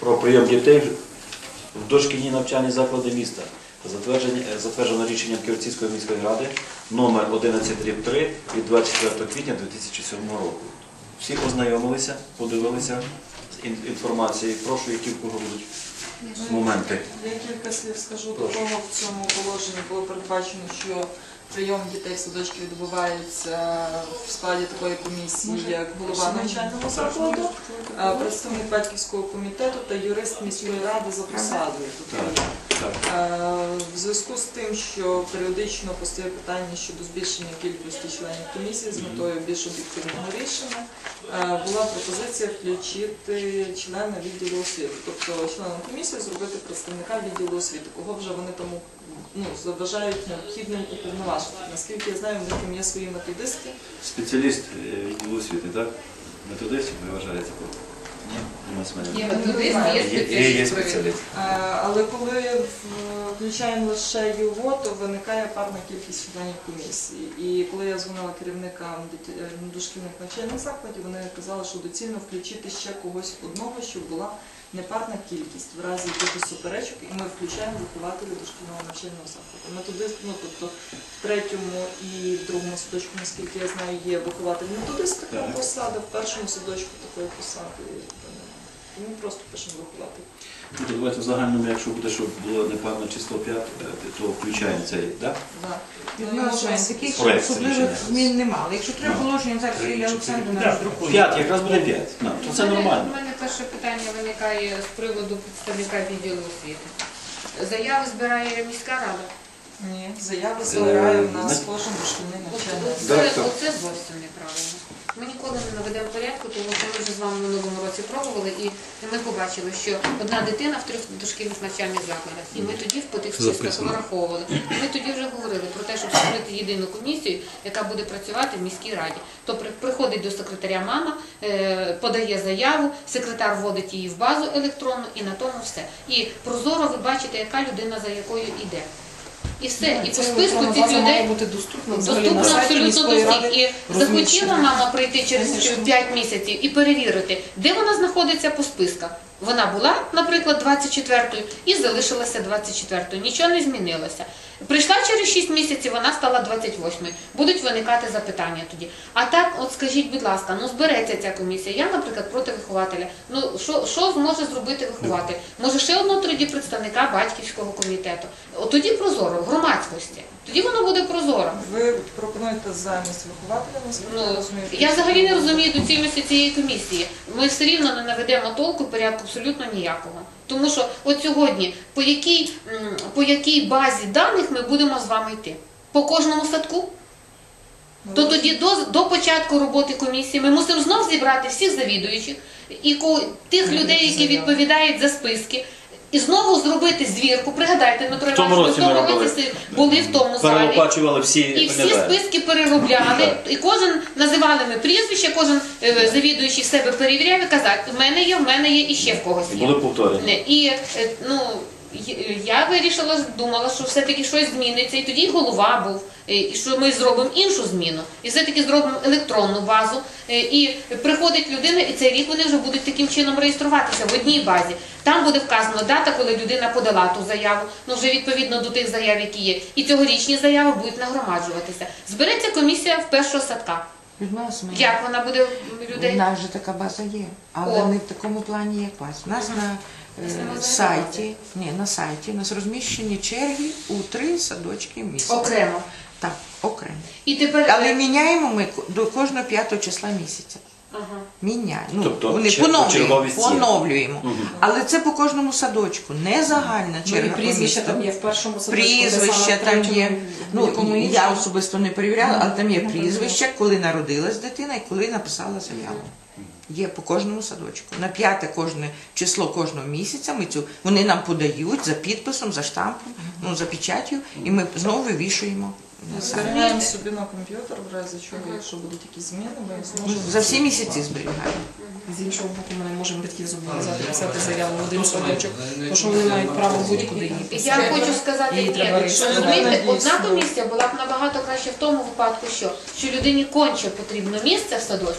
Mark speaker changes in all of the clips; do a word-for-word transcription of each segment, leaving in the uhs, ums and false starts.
Speaker 1: про прийом дітей в дошкільні навчальні заклади міста. Затверджено рішенням Ківерцівської міської ради номер одинадцять дріб три від двадцять четвертого квітня дві тисячі сьомого року. Всі ознайомилися, подивилися з інформацією. Прошу, які в кого будуть моменти.
Speaker 2: Я кілька слів скажу. До того в цьому положенні було передбачено, що прийом дітей в садочки відбувається в складі такої комісії, як голова навчального закладу, представник батьківського комітету та юрист міської ради за посадою. В зв'язку з тим, що періодично постає питання щодо збільшення кількості членів комісії з метою більш об'єктивного рішення, була пропозиція включити члена відділу освіти, тобто членом комісії зробити представника відділу освіти, кого вже вони тому ну, заважають необхідним уповноважити. Наскільки я знаю, в них там є свої методисти.
Speaker 1: Спеціаліст відділу освіти, так? Методистів ви вважаєте? Ні,
Speaker 3: є методист, є
Speaker 1: є спеціаліст.
Speaker 2: Але коли включаємо лише його, то виникає парна кількість членів комісії. І коли я дзвонила керівникам дошкільних навчальних закладів, вони казали, що доцільно включити ще когось одного, щоб була непарна кількість в разі якихось суперечок, і ми включаємо вихователів дошкільного навчального закладу. Методист, ну тобто в третьому і в другому садочку, наскільки я знаю, є вихователь-методист такої посади, в першому садочку такої посади немає. Ми просто пишемо вихователь.
Speaker 1: Ну, давайте в загальному, якщо буде, щоб було непарне число п'ять, то включаємо цей, так?
Speaker 2: Так.
Speaker 4: Відношення, таких особливих змін немає. Якщо треба положення, зараз Лілія Олександрівна роздрукує.
Speaker 1: П'ять, якраз буде п'ять. То це нормально.
Speaker 3: У мене перше питання виникає з приводу представника відділу освіти. Заяви збирає міська рада?
Speaker 2: Ні, заяви збирає в нас кожен дошкільний навчальний заклад.
Speaker 3: Оце зовсім неправильно. Ми ніколи не наведемо порядку, тому що ми вже з вами в минулому році пробували, і ми побачили, що одна дитина в трьох дошкільних навчальних закладах. І ми тоді по тих списках вираховували. Ми тоді вже говорили про те, щоб створити єдину комісію, яка буде працювати в міській раді. То приходить до секретаря мама, подає заяву, секретар вводить її в базу електронну, і на тому все. І прозоро ви бачите, яка людина за якою йде. І все, і по списку цих людей доступно абсолютно до всіх. І захотіла мама прийти через п'ять місяців і перевірити, де вона знаходиться по списках. Вона була, наприклад, двадцять четвертою і залишилася двадцять четвертою. Нічого не змінилося. Прийшла через шість місяців, вона стала двадцять восьмою. Будуть виникати запитання тоді. А так, от скажіть, будь ласка, ну збереться ця комісія. Я, наприклад, проти вихователя. Ну, що, що зможе зробити вихователь? Може, ще одного тоді представника батьківського комітету. От тоді прозоро, в громадськості. Тоді воно буде прозоро.
Speaker 2: Ви пропонуєте замість вихователя?
Speaker 3: Ну, я взагалі не розумію доцільності цієї комісії. Ми все рівно не наведемо толку, порядку абсолютно ніякого. Тому що от сьогодні, по якій, по якій базі даних ми будемо з вами йти? По кожному садку? То тоді до, до початку роботи комісії ми мусимо знов зібрати всіх завідуючих і тих людей, які відповідають за списки, і знову зробити звірку. Пригадайте, Дмитро Іванович, ми в тому році були в тому залі.
Speaker 1: Всі
Speaker 3: і всі списки переробляли. І кожен, називали ми прізвище, кожен е, завідуючий себе перевіряв і казав, в мене є, в мене є і ще в когось є.
Speaker 1: Були повторення.
Speaker 3: І, е, ну, я вирішила, думала, що все-таки щось зміниться, і тоді голова був, і що ми зробимо іншу зміну, і все-таки зробимо електронну базу, і приходить людина, і цей рік вони вже будуть таким чином реєструватися в одній базі. Там буде вказано дата, коли людина подала ту заяву, ну вже відповідно до тих заяв, які є, і цьогорічні заяви будуть нагромаджуватися. Збереться комісія в першого садка. Як вона буде людей?
Speaker 4: У нас же така база є, але
Speaker 3: О.
Speaker 4: не в такому плані, як у вас. У нас на е, сайті, ні, на сайті у нас розміщені черги у три садочки міста.
Speaker 3: Окремо.
Speaker 4: Так, окремо.
Speaker 3: І тепер...
Speaker 4: Але міняємо ми до кожного п'ятого числа місяця.
Speaker 3: Ага.
Speaker 4: Міняємо. Ну,
Speaker 1: Тобто,
Speaker 4: вони
Speaker 1: чер-
Speaker 4: поновлюємо,
Speaker 1: черговість є.
Speaker 4: поновлюємо.
Speaker 1: Угу.
Speaker 4: Але це по кожному садочку, не загальна черга.
Speaker 5: Ну, прізвища там є в першому садочку.
Speaker 4: Прізвища там є. Ну,
Speaker 5: якому
Speaker 4: я
Speaker 5: іншому.
Speaker 4: особисто не перевіряла, але там є прізвища, коли народилась дитина і коли написала заяву. Є по кожному садочку. На п'яте кожне число кожного місяця ми цю, вони нам подають за підписом, за штампом, ну, за печаттю, і ми знову вивішуємо.
Speaker 2: Зберігаємо собі на комп'ютер, в разі чого, якщо будуть якісь зміни, ми зможемо...
Speaker 4: За всі місяці зберігаємо.
Speaker 5: З іншого боку, ми не можемо батьків зобов'язати писати заяву в один садочок, тому що вони мають право будь-куди її писати.
Speaker 3: Я хочу сказати,
Speaker 5: Її
Speaker 3: ні,
Speaker 5: треба
Speaker 3: розумієте, одна комісія була б набагато краще в тому випадку, що, що людині конче потрібно місце в садочок,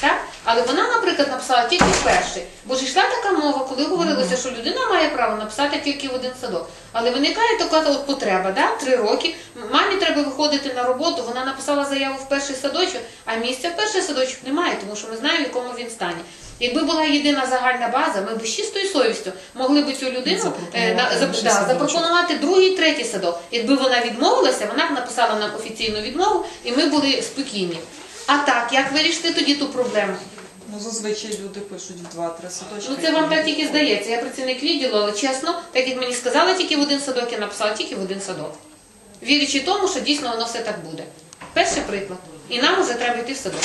Speaker 3: Так? Але вона, наприклад, написала тільки перший. Бо ж йшла така мова, коли говорилося, що людина має право написати тільки в один садок. Але виникає така от потреба, да? три роки, мамі треба виходити на роботу, вона написала заяву в перший садочок, а місця в перший садочок немає, тому що ми знаємо, в якому він стані. Якби була єдина загальна база, ми б з чистою совістю могли б цю людину е, на, зап, да, запропонувати другий, третій садок. Якби вона відмовилася, вона б написала нам офіційну відмову, і ми були спокійні. А так, як вирішити тоді ту проблему?
Speaker 2: Ну, зазвичай люди пишуть в два-три садочки.
Speaker 3: Ну це вам так тільки здається. Я працівник відділу, але чесно, так як мені сказали тільки в один садок, я написала тільки в один садок. Вірячи тому, що дійсно воно все так буде. Перший приклад. І нам вже треба йти в садок.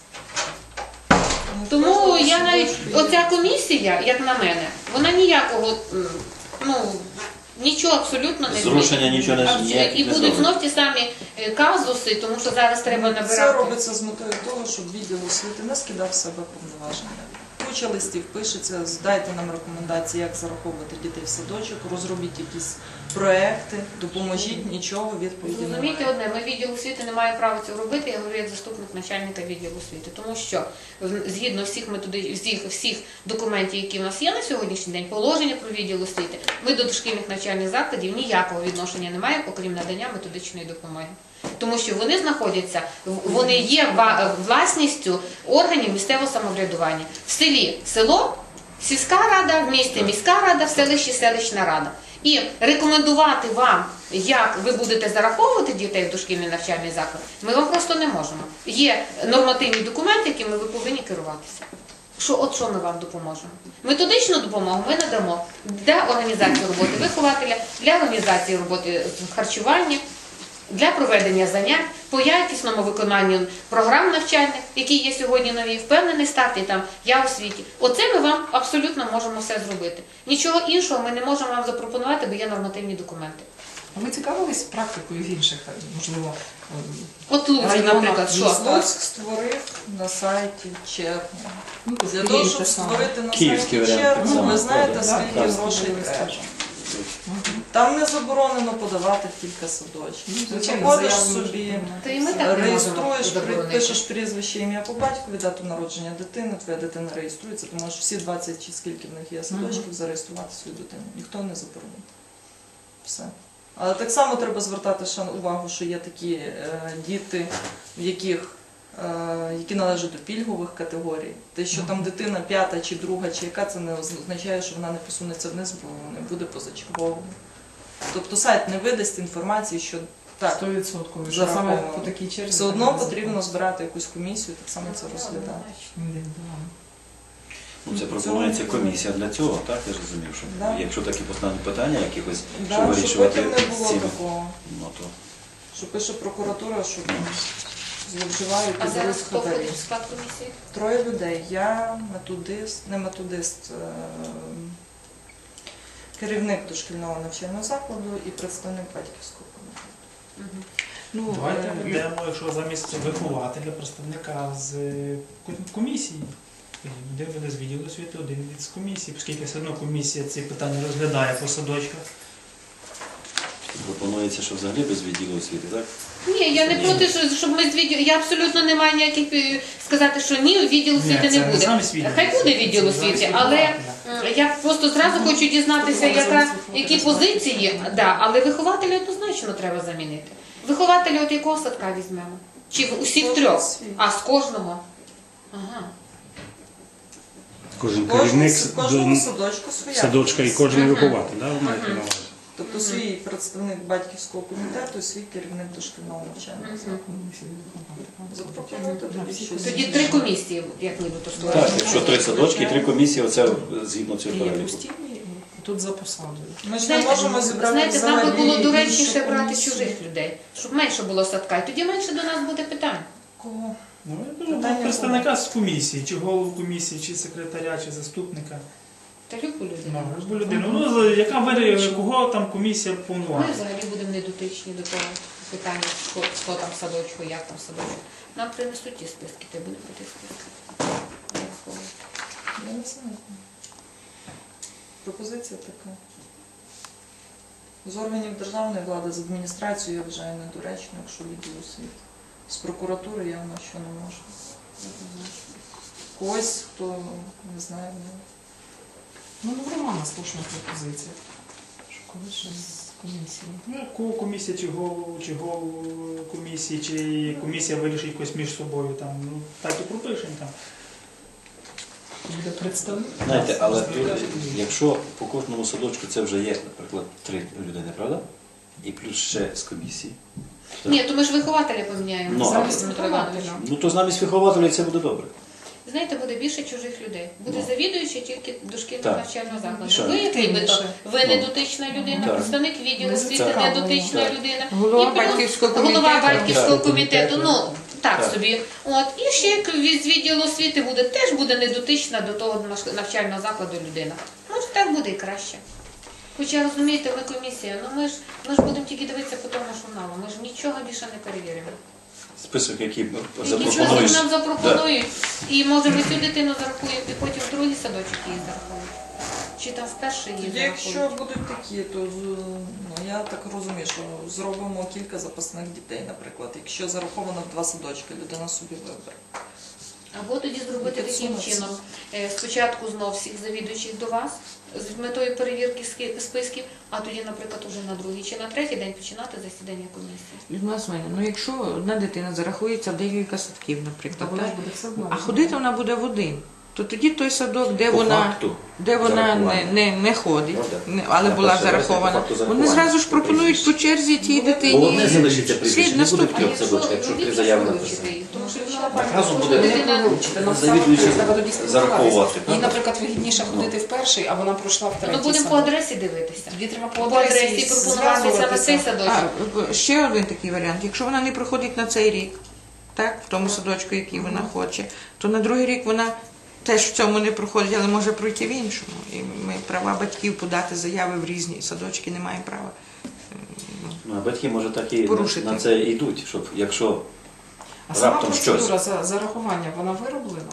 Speaker 2: Ну,
Speaker 3: Тому
Speaker 2: кожного
Speaker 3: я навіть,
Speaker 2: садочку є.
Speaker 3: оця комісія, як на мене, вона ніякого, м, ну, нічого абсолютно не
Speaker 1: Зрушення
Speaker 3: змінить.
Speaker 1: нічого не-
Speaker 3: Абсолютно.
Speaker 1: ніяк
Speaker 3: І
Speaker 1: не
Speaker 3: будуть
Speaker 1: зробить.
Speaker 3: знов ті самі е, казуси, тому що зараз треба
Speaker 2: Це
Speaker 3: набирати.
Speaker 2: робиться з метою того, щоб відділ освіти не скидав з себе повноваження. Куча листів пишеться, здайте нам рекомендації, як зараховувати дітей в садочок, розробіть якісь проекти, допоможіть, нічого відповіді
Speaker 3: Розумієте
Speaker 2: немає.
Speaker 3: одне, ми відділ освіти не має права цього робити, я говорю як заступник начальника відділу освіти, тому що в- згідно всіх методів, всіх, всіх документів, які в нас є на сьогоднішній день, положення про відділ освіти, ми до дошкільних навчальних закладів ніякого відношення не маємо, окрім надання методичної допомоги. Тому що вони знаходяться, в- вони є ва- власністю органів місцевого самоврядування. В селі село, сільська рада, в місті міська рада, в селищі селищна рада. І рекомендувати вам, як ви будете зараховувати дітей в дошкільний навчальний заклад, ми вам просто не можемо. Є нормативні документи, якими ви повинні керуватися. Що, от що ми вам допоможемо? Методичну допомогу ми надамо для організації роботи вихователя, для організації роботи з харчування, для проведення занять, по якісному виконанню програм навчальних, які є сьогодні нові, впевнений старт і там я у світі. Оце ми вам абсолютно можемо все зробити. Нічого іншого ми не можемо вам запропонувати, бо є нормативні документи.
Speaker 5: А ви цікавились практикою в інших, можливо, ем,
Speaker 3: От Луцьк,
Speaker 5: Районах
Speaker 3: наприклад, що?
Speaker 5: міста.
Speaker 2: Луцьк створив на сайті червня.
Speaker 5: ну, тут
Speaker 2: Для того,
Speaker 5: Київ
Speaker 2: щоб
Speaker 5: те саме.
Speaker 2: створити на
Speaker 1: Київський
Speaker 2: сайті
Speaker 1: варіант
Speaker 2: червня,
Speaker 1: так
Speaker 2: ви
Speaker 1: само
Speaker 2: знаєте,
Speaker 1: входить.
Speaker 2: скільки
Speaker 5: Так,
Speaker 2: грошей
Speaker 5: так.
Speaker 2: треба.
Speaker 5: Мгм.
Speaker 2: Там не заборонено подавати в кілька садочків. Ти
Speaker 5: Звичайно,
Speaker 2: заходиш
Speaker 5: заяву
Speaker 2: собі,
Speaker 5: можна.
Speaker 3: Та і ми так не можемо
Speaker 2: реєструєш,
Speaker 3: заборонити.
Speaker 2: пишеш прізвище, ім'я по батькові, дату народження дитини, твоя дитина реєструється, ти можеш всі двадцять чи скільки в них є садочків зареєструвати свою дитину. Ніхто не заборонить. Все. Але так само треба звертати ще увагу, що є такі е, діти, в яких, е, які належать до пільгових категорій. Те, що там дитина п'ята чи друга, чи яка, це не означає, що вона не посунеться вниз, бо не буде позачерговою. Тобто сайт не видасть інформації, що так,
Speaker 5: сто відсотків. Що
Speaker 2: зараховано.
Speaker 5: саме по такій черзі.
Speaker 2: все одно потрібно збирати якусь комісію, так само це розглядати.
Speaker 5: Індивідуально.
Speaker 1: Ну, це пропонується комісія для цього, так? Я ж розумів, що
Speaker 2: Да.
Speaker 1: якщо такі постануть питання, якихось,
Speaker 2: Да,
Speaker 1: що
Speaker 2: щоб
Speaker 1: вирішувати
Speaker 2: потім не
Speaker 1: з
Speaker 2: було
Speaker 1: цим,
Speaker 2: такого,
Speaker 1: ну, то
Speaker 2: що пише прокуратура, що там зловживають
Speaker 3: А
Speaker 2: і
Speaker 3: зараз
Speaker 2: беруть
Speaker 3: хто
Speaker 2: хабарі.
Speaker 3: входить в склад комісії?
Speaker 2: Троє людей. Я методист, не методист, е, керівник дошкільного навчального закладу і представник батьківського комітету.
Speaker 4: Ну,
Speaker 6: Давайте
Speaker 4: е,
Speaker 6: введемо, якщо замість вихователя, представника з е, комісії. Один буде з відділу освіти, один від з комісії, оскільки все одно комісія ці питання розглядає по садочках.
Speaker 1: пропонується, що взагалі без відділу освіти, так?
Speaker 3: Ні, я не проти, що- щоб ми з відділу, я абсолютно не маю ніяких е, сказати, що ні, відділ освіти
Speaker 6: це
Speaker 3: не буде.
Speaker 6: замість відділу
Speaker 3: Хай буде
Speaker 6: освіти,
Speaker 3: відділ
Speaker 6: це
Speaker 3: освіти,
Speaker 6: замість
Speaker 3: але
Speaker 6: вихователя.
Speaker 3: м, я просто зразу хочу дізнатися, яка, які позиції, да, але вихователя однозначно треба замінити. Вихователя от якого садка візьмемо? Чи в усіх
Speaker 2: Кожен
Speaker 3: трьох?
Speaker 2: свій.
Speaker 3: А з кожного? Ага.
Speaker 7: Кожен
Speaker 2: Кожен,
Speaker 7: керівник
Speaker 2: з кожному
Speaker 7: до
Speaker 2: садочку своя.
Speaker 7: садочка і
Speaker 2: комісія.
Speaker 7: кожен
Speaker 3: Мгм.
Speaker 7: вихователь, да, ви маєте на увазі?
Speaker 2: Тобто свій представник батьківського комітету і свій керівник дошкільного навчального закладу. Запропонуйте тоді щось.
Speaker 3: Тоді три комісії, як нібито
Speaker 1: Так,
Speaker 3: створюємо.
Speaker 1: якщо три садочки, три комісії, оце згідно цього
Speaker 5: І є
Speaker 1: переліку.
Speaker 5: постійні, тут за посадою.
Speaker 2: Ми ж не
Speaker 3: Знаєте,
Speaker 2: можемо зібрати
Speaker 3: знаєте, нам би
Speaker 2: взагалі
Speaker 3: було
Speaker 2: іншу
Speaker 3: доречніше брати
Speaker 2: комісію.
Speaker 3: чужих людей, щоб менше було садка, і тоді менше до нас буде питань.
Speaker 2: Кого?
Speaker 6: Ну, я думаю,
Speaker 2: Питання
Speaker 6: представника з комісії, чи голову комісії, чи секретаря, чи заступника.
Speaker 3: Та любу людину.
Speaker 6: Ну, любу людину. Ну, з- яка вирішує, кого там комісія
Speaker 3: Ми
Speaker 6: повноважена.
Speaker 3: взагалі будемо недотичні до того питання, що, що там в садочку, як там в садочку. Нам принесуть ті списки, та й будемо по тих списках. Враховувати.
Speaker 2: Я не знаю. Пропозиція така. З органів державної влади, з адміністрацією я вважаю недоречно, якщо відділ освіти. З прокуратури явно що не можу. когось, хто не знаю. ну,
Speaker 5: Ну, нормальна слушна пропозиція. Що колись ще з комісії.
Speaker 6: Ну, кого комісія, чи голову, чи голову комісії, чи комісія вирішить якось між собою, там, ну, так і пропишемо там.
Speaker 5: Буде представник.
Speaker 1: Знаєте, але тут, якщо по кожному садочку це вже є, наприклад, три людини, правда? І плюс ще з комісії.
Speaker 3: Ні, то ми ж вихователя поміняємо.
Speaker 1: Ну,
Speaker 3: Замість
Speaker 1: а-
Speaker 3: Дмитра Івановича.
Speaker 1: Ну то замість вихователів це буде добре.
Speaker 3: Знаєте, буде більше чужих людей. Буде
Speaker 1: Ну.
Speaker 3: завідуючий тільки дошкільного
Speaker 1: Так.
Speaker 3: навчального закладу.
Speaker 1: Що?
Speaker 3: Ви, як нібито,
Speaker 5: Більше.
Speaker 3: ви не
Speaker 1: Ну.
Speaker 3: дотична людина,
Speaker 1: Так.
Speaker 3: представник відділу
Speaker 5: Ми
Speaker 3: освіти
Speaker 5: зацікавлені.
Speaker 3: не дотична
Speaker 1: Так.
Speaker 3: людина.
Speaker 4: Голова
Speaker 3: І плюс
Speaker 4: батьківського
Speaker 3: Голова
Speaker 4: комітету.
Speaker 3: батьківського
Speaker 1: Так.
Speaker 3: комітету, ну так
Speaker 1: Так.
Speaker 3: собі. От. І ще як від- з відділу освіти буде, теж буде недотична до того наш- навчального закладу людина. Може, так буде і краще. Хоча, розумієте, ми комісія, ну ми ж, ми ж будемо тільки дивитися по тому журналу, ми ж нічого більше не перевіримо.
Speaker 1: Список, який
Speaker 3: Які
Speaker 1: запропонуєш.
Speaker 3: нам запропонують, і може ми цю дитину зарахуємо, і потім в другий садочок її зарахуємо. Чи там в перший її
Speaker 2: Тоді, якщо
Speaker 3: зарахують.
Speaker 2: будуть такі, то з- ну, я так розумію, що зробимо кілька запасних дітей, наприклад. Якщо зараховано в два садочки, людина собі вибере.
Speaker 3: Або тоді зробити таким
Speaker 2: Підсунутися.
Speaker 3: чином. Е, Спочатку знов всіх завідуючих до вас з метою перевірки ски- списків, а тоді, наприклад, уже на другий чи на третій день починати засідання комісії.
Speaker 4: Людмила Семенівна, ну якщо одна дитина зарахується в декілька садків,
Speaker 5: Та
Speaker 4: наприклад,
Speaker 5: вона ж
Speaker 4: так?
Speaker 5: буде все одно.
Speaker 4: А ходити вона буде в один, то тоді той садок, де
Speaker 1: По
Speaker 4: вона,
Speaker 1: факту
Speaker 4: де вона не,
Speaker 1: зарахування.
Speaker 4: не, не ходить,
Speaker 1: Ну, так.
Speaker 4: не- але
Speaker 1: На
Speaker 4: була
Speaker 1: перший раз, як
Speaker 4: зарахована,
Speaker 1: по факту
Speaker 4: вони
Speaker 1: зарахування.
Speaker 4: зразу ж пропонують по черзі тій
Speaker 1: Бо одне
Speaker 4: дитині.
Speaker 1: залишиться прізвище,
Speaker 4: Слід
Speaker 1: не буде в
Speaker 4: наступний.
Speaker 1: трьох садочках, якщо три заяви написані.
Speaker 3: Тому що
Speaker 1: Наказом буде
Speaker 3: дитина
Speaker 1: завідуючий
Speaker 5: Треба тоді спілкуватися.
Speaker 1: зараховувати.
Speaker 5: Їй, наприклад, вигідніше ходити в перший, а вона пройшла в третій
Speaker 3: ну, будемо по
Speaker 5: садок.
Speaker 3: адресі дивитися.
Speaker 5: Тоді треба
Speaker 3: По адресі пропонувати саме цей садочок.
Speaker 4: А, ще один такий варіант. Якщо вона не проходить на цей рік, так, в тому садочку, який вона хоче, то на другий рік вона теж в цьому не проходить, але може пройти в іншому. І ми права батьків подати заяви в різні садочки не маємо права.
Speaker 1: Ну, а батьки, може, так і
Speaker 4: Порушити.
Speaker 1: на це йдуть, щоб якщо
Speaker 5: А сама
Speaker 1: раптом
Speaker 5: процедура
Speaker 1: щось.
Speaker 5: за зарахування, вона вироблена?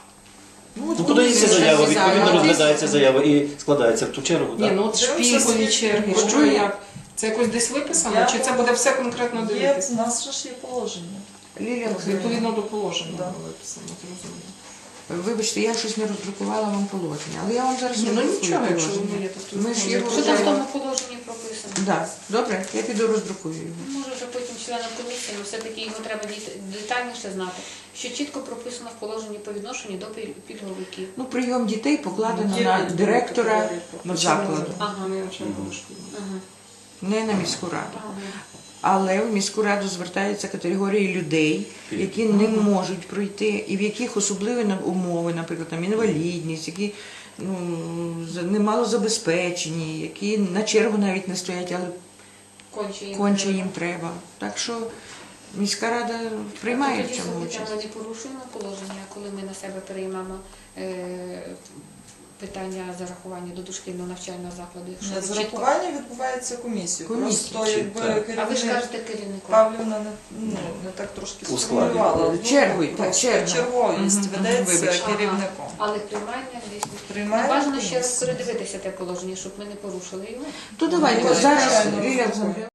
Speaker 1: Ну, подається
Speaker 4: комісія
Speaker 1: заява,
Speaker 4: вже
Speaker 1: відповідно
Speaker 4: заява.
Speaker 1: розглядається заява і складається в ту чергу.
Speaker 5: Ні,
Speaker 1: так?
Speaker 5: ну от
Speaker 2: Дивимося,
Speaker 5: шпігові
Speaker 2: скільки
Speaker 5: черги,
Speaker 2: буде.
Speaker 5: що як? Це якось десь виписано,
Speaker 2: Я
Speaker 5: чи це буде все конкретно
Speaker 2: Є,
Speaker 5: дивитися?
Speaker 2: в нас же ж є положення.
Speaker 4: Лілія Олександрівна,
Speaker 5: Відповідно до положення
Speaker 2: Да.
Speaker 5: було виписано, зрозуміло.
Speaker 4: вибачте, я щось не роздрукувала вам положення, але я вам зараз
Speaker 5: Ні, ну
Speaker 4: роздрукую
Speaker 5: нічого, якщо
Speaker 4: положення.
Speaker 5: воно є, то
Speaker 4: Ми ж
Speaker 5: тут
Speaker 4: його
Speaker 3: Що там в
Speaker 4: вже-
Speaker 3: тому положенні прописано?
Speaker 4: Да. Добре, я піду роздрукую його.
Speaker 3: Може вже потім членам комісії, але все-таки його треба діт- детальніше знати, що чітко прописано в положенні по відношенню до піль- пільговиків.
Speaker 4: Ну, прийом дітей покладено
Speaker 2: Є
Speaker 4: на
Speaker 2: відповідь
Speaker 4: директора
Speaker 2: прокурорів.
Speaker 4: закладу,
Speaker 3: Ага.
Speaker 5: Не начальник школи.
Speaker 3: Ага.
Speaker 4: не на міську раду.
Speaker 3: Ага.
Speaker 4: Але в міську раду звертаються категорії людей, які не можуть пройти, і в яких особливі на- умови, наприклад, там інвалідність, які ну, за- немало забезпечені, які на чергу навіть не стоять, але
Speaker 3: Конче їм.
Speaker 4: конче
Speaker 3: треба.
Speaker 4: їм треба. Так що міська рада приймає
Speaker 3: Тоді,
Speaker 4: в цьому
Speaker 3: слухайте,
Speaker 4: участь.
Speaker 3: Ми не порушуємо положення, коли ми на себе переймемо е, питання зарахування до дошкільного навчального закладу. Якщо
Speaker 2: Ні,
Speaker 3: ви чітко...
Speaker 2: Зарахування відбувається комісією.
Speaker 4: Комісією,
Speaker 2: Просто
Speaker 1: чи-
Speaker 2: якби
Speaker 1: так.
Speaker 3: А ви ж
Speaker 2: керівник
Speaker 3: кажете керівнику.
Speaker 2: Павлівна не, ну, не так трошки
Speaker 1: У складі.
Speaker 2: сформулювала.
Speaker 4: Чергою,
Speaker 2: Ну,
Speaker 4: так,
Speaker 2: просто
Speaker 4: черга.
Speaker 2: черговість
Speaker 4: Мгм, мгм,
Speaker 2: ведеться
Speaker 4: вибачте.
Speaker 2: керівником.
Speaker 3: Але приймання десь.
Speaker 2: Приймає
Speaker 3: Бажано ще раз
Speaker 2: комісія.
Speaker 3: передивитися те положення, щоб ми не порушили його.
Speaker 4: То давайте
Speaker 2: Ну,
Speaker 4: зараз
Speaker 2: звичайно,
Speaker 4: Лілія Олександрівна,